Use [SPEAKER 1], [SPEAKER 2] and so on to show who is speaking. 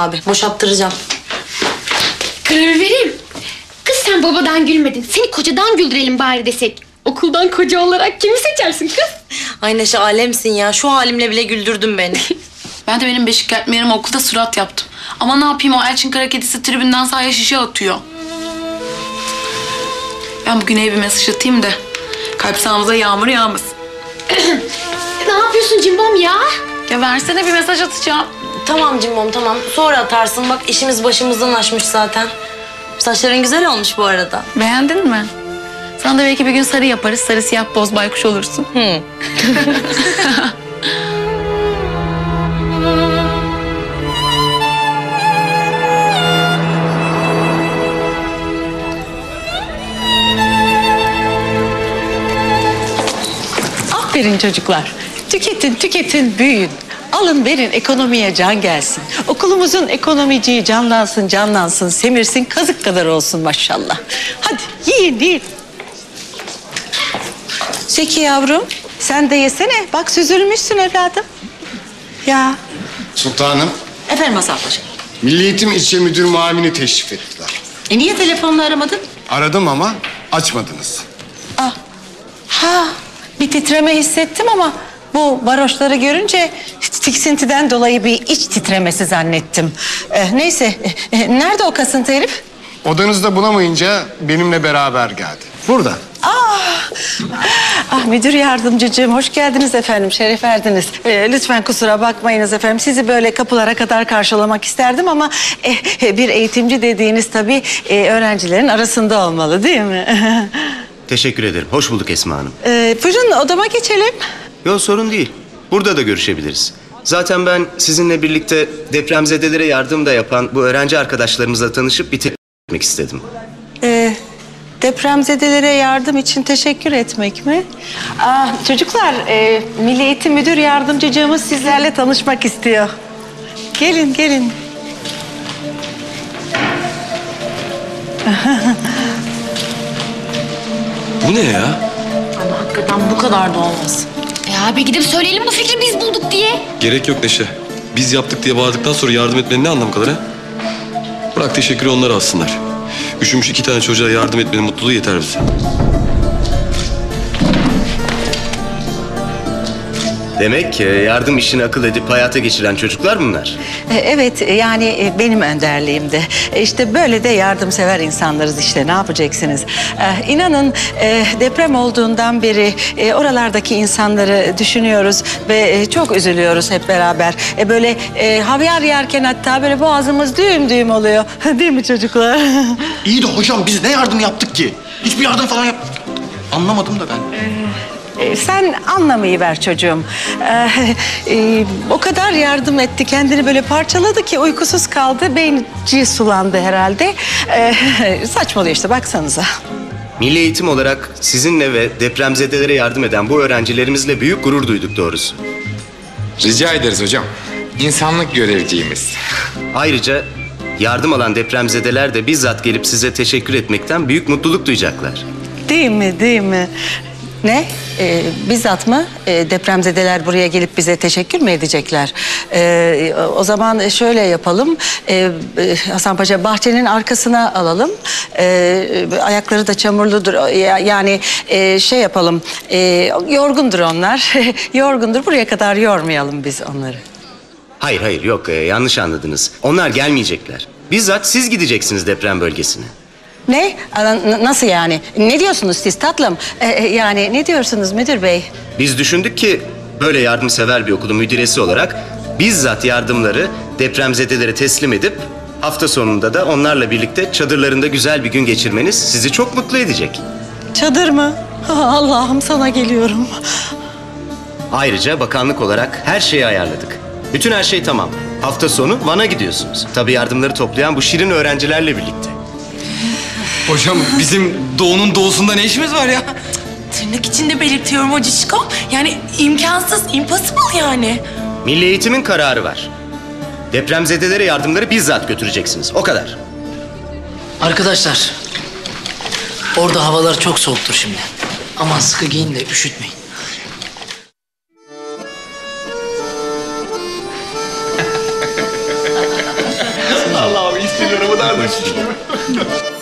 [SPEAKER 1] abi. Boşalttıracağım.
[SPEAKER 2] Karar vereyim. Kız sen babadan gülmedin. Seni kocadan güldürelim bari desek. Okuldan koca olarak kimi seçersin kız?
[SPEAKER 1] Ay Neşe alemsin ya. Şu halimle bile güldürdün beni.
[SPEAKER 3] Ben de benim beşik kertmelerime okulda surat yaptım. Ama ne yapayım, o Elçin kara kedisi tribünden sahaya şişe atıyor. Ben bugün bir mesaj atayım da kalp sahamıza yağmur yağmasın.
[SPEAKER 2] Ne yapıyorsun cimbom ya?
[SPEAKER 3] Ya versene, bir mesaj atacağım.
[SPEAKER 1] Tamam Cimbom tamam. Sonra atarsın. Bak işimiz başımızdan aşmış zaten. Saçların güzel olmuş bu arada.
[SPEAKER 3] Beğendin mi? Sana da belki bir gün sarı yaparız. Sarı siyah boz baykuş olursun.
[SPEAKER 4] Aferin çocuklar. Tüketin, tüketin, büyüyün. Alın verin, ekonomiye can gelsin. Okulumuzun ekonomiciği canlansın, canlansın, semirsin, kazık kadar olsun maşallah. Hadi yiyin, yiyin. Zeki yavrum, sen de yesene. Bak süzülmüşsün evladım. Ya.
[SPEAKER 5] Sultanım,
[SPEAKER 4] Efendim Hasan Paşa.
[SPEAKER 5] Milli Eğitim İlçe Müdür Muavini teşrif ettiler.
[SPEAKER 4] Niye telefonla aramadın?
[SPEAKER 5] Aradım ama açmadınız.
[SPEAKER 4] Ah. Ha, bir titreme hissettim ama bu varoşları görünce tiksintiden dolayı bir iç titremesi zannettim. Neyse, nerede o kasıntı herif?
[SPEAKER 5] Odanızda bulamayınca benimle beraber geldi. Burada.
[SPEAKER 4] Müdür yardımcıcığım, hoş geldiniz efendim, şeref verdiniz. Lütfen kusura bakmayınız efendim, sizi böyle kapılara kadar karşılamak isterdim ama bir eğitimci dediğiniz tabii öğrencilerin arasında olmalı değil mi?
[SPEAKER 6] Teşekkür ederim. Hoş bulduk Esma Hanım.
[SPEAKER 4] Buyurun odama geçelim.
[SPEAKER 6] Yok sorun değil. Burada da görüşebiliriz. Zaten ben sizinle birlikte depremzedelere yardım da yapan bu öğrenci arkadaşlarımızla tanışıp bir etmek istedim.
[SPEAKER 4] Depremzedelere yardım için teşekkür etmek mi? Çocuklar, Milli Eğitim Müdür Yardımcıcığımız sizlerle tanışmak istiyor. Gelin, gelin.
[SPEAKER 7] Bu ne ya?
[SPEAKER 1] Ama hakikaten bu kadar da olmaz.
[SPEAKER 2] Abi gidip söyleyelim bu fikri biz bulduk diye.
[SPEAKER 7] Gerek yok Neşe. Biz yaptık diye bağırdıktan sonra yardım etmenin ne anlamı kalır ha? Bırak teşekkürü onlara alsınlar. Üşümüş 2 tane çocuğa yardım etmenin mutluluğu yeter bize.
[SPEAKER 6] Demek yardım işini akıl edip hayata geçiren çocuklar bunlar.
[SPEAKER 4] Evet, yani benim önderliğimde. İşte böyle de yardımsever insanlarız işte, ne yapacaksınız? İnanın deprem olduğundan beri oralardaki insanları düşünüyoruz ve çok üzülüyoruz hep beraber. Böyle havyar yerken hatta böyle boğazımız düğüm düğüm oluyor. Değil mi çocuklar?
[SPEAKER 8] İyi de hocam biz ne yardım yaptık ki? Hiçbir yardım falan yapmadık. Anlamadım da ben.
[SPEAKER 4] Sen anlamayı ver çocuğum. O kadar yardım etti, kendini böyle parçaladı ki uykusuz kaldı, beyni sulandı herhalde. Saçmalıyor işte, baksanıza.
[SPEAKER 6] Milli Eğitim olarak sizinle ve depremzedelere yardım eden bu öğrencilerimizle büyük gurur duyduk doğrusu.
[SPEAKER 9] Rica ederiz hocam. İnsanlık görevliyimiz.
[SPEAKER 6] Ayrıca yardım alan depremzedeler de bizzat gelip size teşekkür etmekten büyük mutluluk duyacaklar.
[SPEAKER 4] Değil mi, değil mi? Ne? Bizzat mı? Depremzedeler buraya gelip bize teşekkür mü edecekler? O zaman şöyle yapalım. Hasan Paşa, bahçenin arkasına alalım. Ayakları da çamurludur. Yani şey yapalım. Yorgundur onlar. Yorgundur. Buraya kadar yormayalım biz onları.
[SPEAKER 6] Hayır hayır yok yanlış anladınız. Onlar gelmeyecekler. Bizzat siz gideceksiniz deprem bölgesine.
[SPEAKER 4] Ne? Nasıl yani? Ne diyorsunuz siz tatlım? Yani ne diyorsunuz müdür bey?
[SPEAKER 6] Biz düşündük ki böyle yardımsever bir okulun müdüresi olarak bizzat yardımları depremzedelere teslim edip hafta sonunda da onlarla birlikte çadırlarında güzel bir gün geçirmeniz sizi çok mutlu edecek.
[SPEAKER 4] Çadır mı? Allah'ım sana geliyorum.
[SPEAKER 6] Ayrıca bakanlık olarak her şeyi ayarladık. Bütün her şey tamam. Hafta sonu Van'a gidiyorsunuz. Tabii yardımları toplayan bu şirin öğrencilerle birlikte.
[SPEAKER 8] Hocam bizim doğunun doğusunda ne işimiz var ya?
[SPEAKER 3] Tırnak içinde belirtiyorum hocişko. Yani imkansız, impossible yani.
[SPEAKER 6] Milli Eğitim'in kararı var. Depremzedelere yardımları bizzat götüreceksiniz. O kadar.
[SPEAKER 10] Arkadaşlar, orada havalar çok soğuktur şimdi. Aman sıkı giyin de üşütmeyin.
[SPEAKER 5] Şunları mı dardık?